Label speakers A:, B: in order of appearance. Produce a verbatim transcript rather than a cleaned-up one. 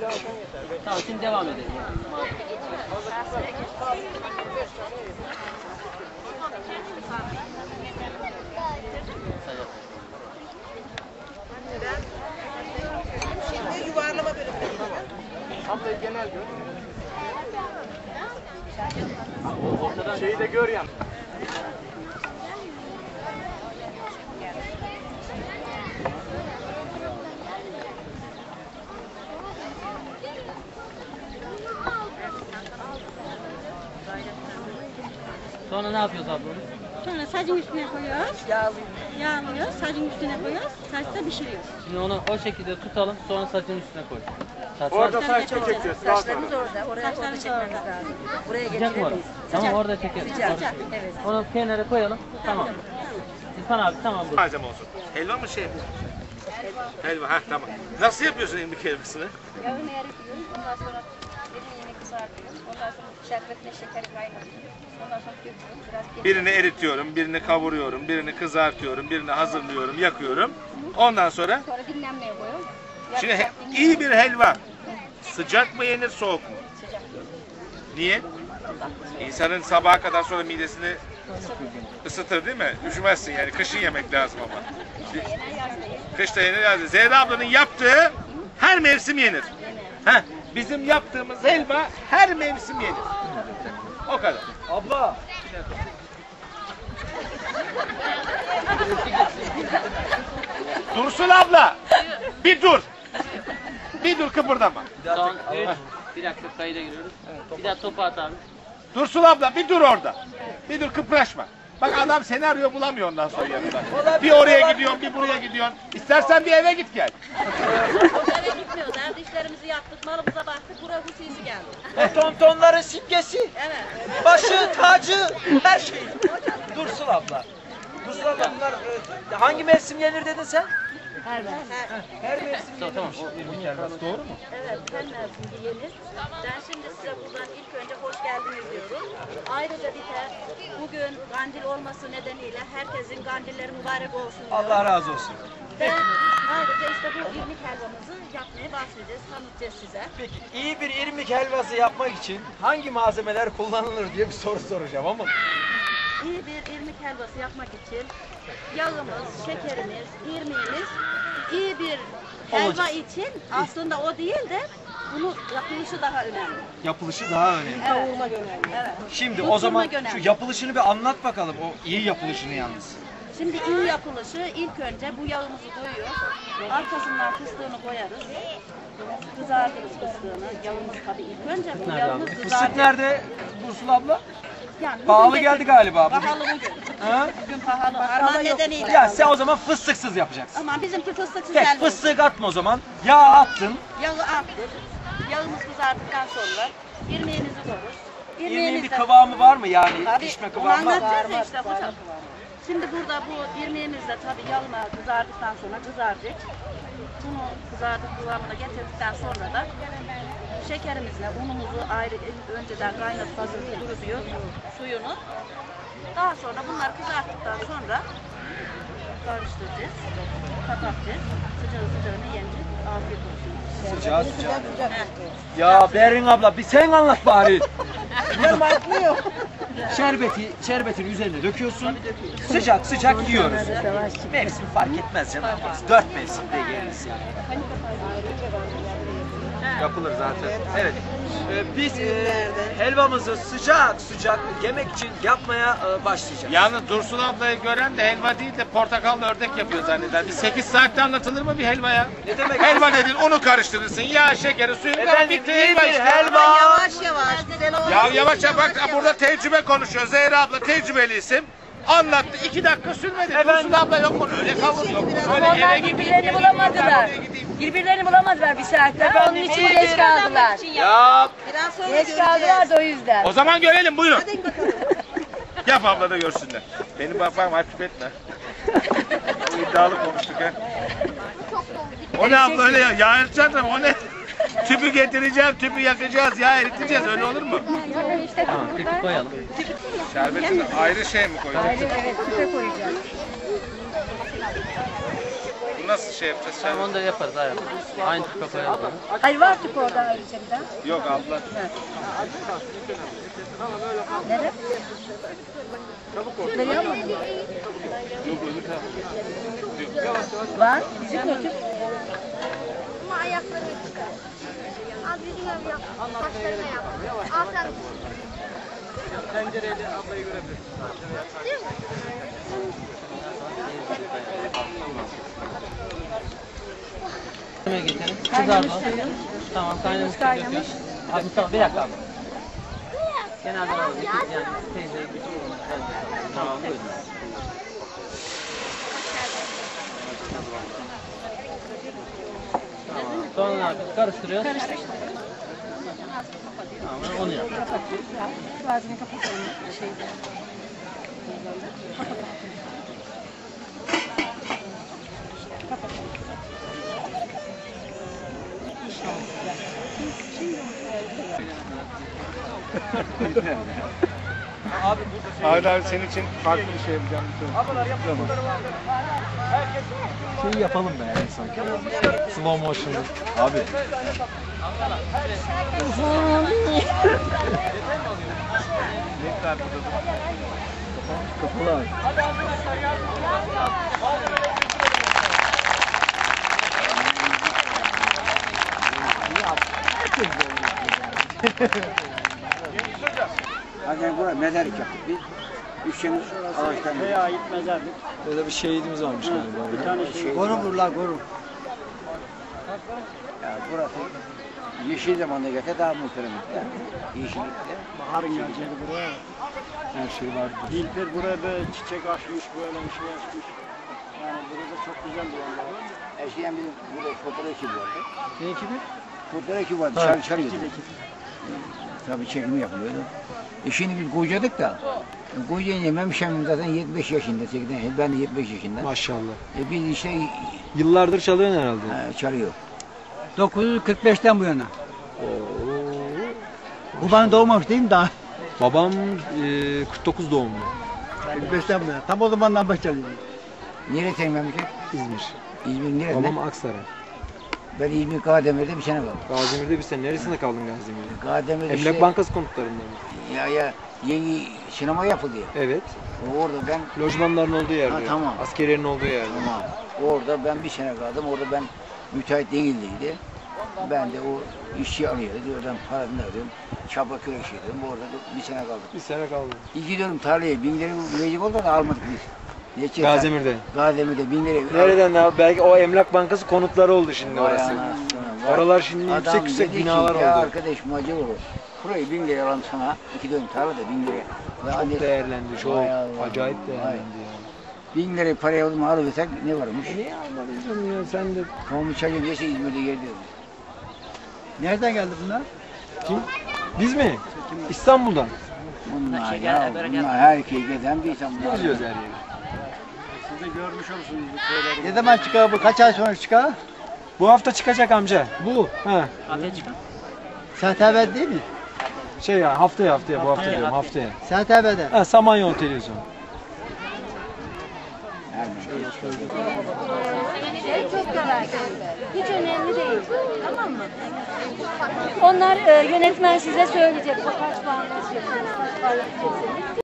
A: Tamam, şimdi devam edelim.
B: Şimdi yuvarlama bölümleri.
C: Abla genel gör. Şeyi de gör yan.
A: Sonra ne yapıyoruz abla?
D: Sonra sacın üstüne koyuyoruz. Yağlıyoruz. Yağlıyoruz. Sacın üstüne koyuyoruz. Saçta pişiriyoruz.
A: Şimdi onu o şekilde tutalım, sonra saçın üstüne koy. Saçlar
C: Orada saç çekeceğiz.
E: Saçlarımız orada. Oraya orada çekmemiz lazım. Buraya
A: sıcak mı orada?
E: getiremeyiz.
A: Tamam, orada çekelim.
E: Sıcak.
A: Orada.
E: Evet.
A: Onu kenara koyalım. Tamam. İrfan abi tamam bu.
F: Malzeme olsun. Helva mı şey mi? Helva, ha tamam. Nasıl yapıyorsun irmik helvasını?
E: Yağını eritiyoruz. Ondan sonra eriğini kızartıyoruz. Ondan sonra şerbetine şekeri kaynatıyoruz. Ondan sonra döküyoruz. Biraz kek-
F: Birini eritiyorum, birini kavuruyorum, birini kızartıyorum, birini hazırlıyorum, yakıyorum. Ondan sonra
E: Sonra dinlenmeye koyuyoruz.
F: şimdi he- iyi bir helva sıcak mı yenir, soğuk mu?
E: Sıcak.
F: Niye? İnsanın sabaha kadar sonra midesini ısıtır değil mi? Üşümezsin yani. Kışın yemek lazım ama. Kışta yenir lazım. Zehra ablanın yaptığı her mevsim yenir. Heh, bizim yaptığımız helva her mevsim yenir. O kadar.
C: Abla.
F: Dursun abla. Bir dur. Bir dur, kıpırdama.
A: Son üç. Bir dakika kayıda giriyoruz. Bir daha topu at abi.
F: Dursun abla bir dur orada. Bir dur, kıpraşma. Bak adam seni arıyor, bulamıyor ondan sonra yanında. Bir oraya gidiyorsun, bir buraya gidiyorsun. İstersen bir eve git gel.
D: Eve gitmiyoruz. Evde işlerimizi yaptık. Malımıza baktık. Buraya hususi geldi.
G: O tontonların simgesi,
D: Evet.
G: başı, tacı, her şey. Dursun abla. Dursun abla bunlar e, hangi mevsim yenir dedin sen?
D: Her mevsim.
G: Her mevsim yenirmiş. Doğru mu?
D: Evet, her mevsimde yenir. Ben şimdi size buradan ilk önce hoş geldiniz diyorum. Ayrıca bir de bugün kandil olması nedeniyle herkesin kandilleri mübarek olsun diyorum.
G: Allah razı olsun.
D: Ve ayrıca işte bu irmik helvamızı yapmaya başlayacağız, tanıtacağız size.
G: Peki iyi bir irmik helvası yapmak için hangi malzemeler kullanılır diye bir soru soracağım ama.
D: İyi bir irmik helvası yapmak için yağımız, şekerimiz, irmiğimiz, iyi bir helva
G: Olacak.
D: için aslında o değil de bunu yapılışı daha önemli.
G: Yapılışı daha önemli.
D: Kavurma önemli. Evet.
G: Şimdi o
D: Tutturma
G: zaman
D: önemli.
G: şu yapılışını bir anlat bakalım. O iyi yapılışını yalnız.
D: Şimdi iyi yapılışı ilk önce bu yağımızı koyuyoruz. Arkasından fıstığını koyarız. Kızartırız fıstığını. Yağımız tabii ilk önce bu yağımız
G: Fıstık
D: kızartır.
G: nerede Dursun abla?
D: Yani bugün
G: Pahalı
D: de-
G: geldi galiba. Bugün.
D: Pahalı bugün.
G: Ha?
D: Bugün pahalı. Harman nedeniyle.
G: Ya sen o zaman fıstıksız yapacaksın.
D: Ama bizimki fıstıksız
G: Tek
D: helva.
G: fıstık atma o zaman. Yağ attın.
D: Yağı attık. Yağımız kızarttıktan sonra irmiğimizi koyuyoruz.
G: İrmiğin bir
D: de-
G: kıvamı var mı yani?
D: Tabii,
G: Pişme
D: onu
G: kıvamı var mı?
D: anlatacağız ya işte hocam. Şimdi burada bu irmiğimiz de tabii yağına kızardıktan sonra kızaracak. Bunu kızardık kıvamına getirdikten sonra da şekerimizle unumuzu ayrı önceden kaynatıp hazırlayıp kurutuyor suyunu. Daha sonra bunlar kızarttıktan sonra karıştıracağız, kapatacağız. Sıcağı sıcağına yenecek. Afiyet olsun.
G: Sıcağı sıcağı. Ya Berin abla bir sen anlat bari. Şerbeti, şerbetin üzerine döküyorsun. Sıcak sıcak yiyoruz. Mevsim fark etmez canım. Dört mevsimde yeriz yani. Yapılır zaten. Evet. Ee, biz e, helvamızı sıcak sıcak yemek için yapmaya e, başlayacağız.
F: Yalnız Dursun ablayı gören de helva değil de portakallı ördek yapıyor zanneder. Bir sekiz saatte anlatılır mı bir helva ya?
G: Ne demek?
F: Helva nedir? Unu karıştırırsın. Yağ, şekeri, suyu kar
G: Efendim
F: bitti
G: iyi
F: helva
G: bir
F: işte.
G: helva.
B: Yavaş yavaş güzel olsun.
F: Ya yavaş yavaş bak burada tecrübe konuşuyor. Zehra abla tecrübeli isim. Anlattı. İki dakika sürmedi.
G: Efendim?
F: Dursun abla yok mu? Öyle kavur yok mu? Öyle
H: Onlar
F: eve gideyim.
H: birbirlerini bulamadılar. Birbirlerini bulamadılar bir saatte. Onun için geç kaldılar.
F: Ya
B: Biraz sonra
H: Geç
B: göreceğiz.
H: kaldılar da o yüzden.
F: o zaman görelim buyurun.
B: Hadi bakalım.
F: Yap abla da görsünler. Benim babam hafif etme. O iddialı konuştuk ha. O ne abla öyle ya? Yağ eriteceğiz ama o ne? Tüpü getireceğim, tüpü yakacağız, yağ eriteceğiz. Öyle olur mu?
A: Tamam, tüpü koyalım.
F: Şerbeti ayrı şey mi koyacağız?
H: Evet, süte koyacağız.
F: nasıl şey yapacağız?
A: Tamam
F: Şerbet?
A: onu da yaparız aynen. Aynı tip koyarız onu.
H: Hayır var tüp orada ayrıca bir daha.
F: Yok abla.
H: Nerede? Veriyor mu? Var. Bizim de tüp.
E: Ama ayakları çıkar. Az bir gün yap. Saçlarına yap. Al sen.
C: Tencereyle ablayı görebilirsin.
E: Değil mi?
A: Yemeğe getirin.
H: Kaynamış
A: Kızardı.
H: suyun.
A: Tamam kaynamış. suyu
H: Kaynamış.
A: döküyoruz. Abi Mustafa bir dakika abi. Genelde alalım. Yani teyze. Tamam buyurun. Tamam. Sonra ne yapıyoruz? Karıştırıyoruz.
D: Karıştır.
A: Tamam onu yap.
D: Ağzını kapatalım. Şeyde.
C: Ahmet abi senin için farklı bir şey yapacağım. Ablalar yapın.
G: Şey yapalım be yani sanki. Slow motion. Abi.
C: Ne kadar
G: Kapalı abi.
I: Hani buraya mezarlık yaptık biz. Üçümüz ağaçtan.
C: Veya ait mezarlık.
G: Böyle bir şehidimiz varmış galiba.
C: Bir tane şey.
I: Korum vurlar korum. Ya burası yeşil zamanda gelse daha muhterem. Yeşillikte.
C: Baharın geleceği buraya.
G: Her şey var.
C: Dilber buraya böyle çiçek açmış, böyle bir şey açmış. Yani burada çok güzel bir yer.
I: Eskiden bizim burada fotoğraf ekibi vardı.
G: Ne ekibi?
I: Fotoğraf ekibi vardı. Dışarı çıkarıyordu. Tabii çekimi yapılıyordu. E şimdi biz kocadık da. Kocayınca Memşem'im zaten yetmiş beş yaşında. seksen, ben de yetmiş beş yaşında.
G: Maşallah.
I: E biz işte
G: Yıllardır çalıyorsun herhalde.
I: e, çalıyor. dokuz yüz kırk beşten bu yana. Bu bana doğmamış değil mi daha?
G: Babam e, kırk dokuz doğumlu.
I: kırk beşten bu yana. Tam o zamandan beri çalıyor. Nereye senin memleket?
G: İzmir.
I: İzmir nerede?
G: Babam Aksaray.
I: Ben İzmir Karademir'de bir sene kaldım.
G: Gazimir'de bir sen neresinde kaldın Gazimir'de?
I: Karademir'de
G: Emlak
I: işte,
G: Bankası konutlarında mı?
I: ya ya yeni sinema yapıldı ya.
G: Evet.
I: Orada ben
G: Lojmanların olduğu yerde.
I: Ha, tamam.
G: Askeriyerin olduğu yerde.
I: Tamam. Orada ben bir sene kaldım. Orada ben müteahhit değildiydi. Ben de o işçi alıyordu. Oradan parasını alıyorum. Çapa kürek yedim. Orada da bir sene kaldım.
G: Bir sene kaldın.
I: İki dönüm tarlaya bin lira verecek oldu da almadık biz. Geçen
G: Gazimir'de.
I: Gazimir'de bin lira.
G: Nereden abi? Belki o Emlak Bankası konutları oldu şimdi
I: Vay
G: orası.
I: anasını.
G: Oralar şimdi
I: Adam
G: yüksek yüksek
I: dedi ki,
G: binalar
I: ya
G: oldu.
I: arkadaş macı olur. Burayı bin lira alalım sana. İki dönüm tarla da bin lira. Ve
G: Çok
I: anne-
G: değerlendi. Çok
I: Vay Allah,
G: acayip
I: vay.
G: değerlendi ya.
I: Bin lira parayı alıp alıversak ne varmış?
G: Niye almadın canım ya sen de?
I: Kamu çayı diyese İzmir'de geldi. Nereden geldi bunlar?
G: Kim? Biz mi? İstanbul'dan.
I: Bunlar
A: Şey
I: ya,
A: gel, böyle
I: bunlar
A: gel.
I: herkes geden bir insan bunlar.
G: Geziyoruz her yeri.
C: Siz de görmüş olursunuz bu şeyleri.
I: Ne zaman çıkar bu? Kaç ay sonra çıkar?
G: Bu hafta çıkacak amca. Bu. Ha.
A: Ateş çıkar.
I: Saat haber değil mi?
G: Şey ya haftaya haftaya bu hafta diyorum haftaya.
I: Saat haberde.
G: Ha Samanyolu televizyon.
H: Şey çok kolay. Hiç önemli değil. Tamam mı? Onlar e, yönetmen size söyleyecek. Kaç puan verecek, kaç puan verecek.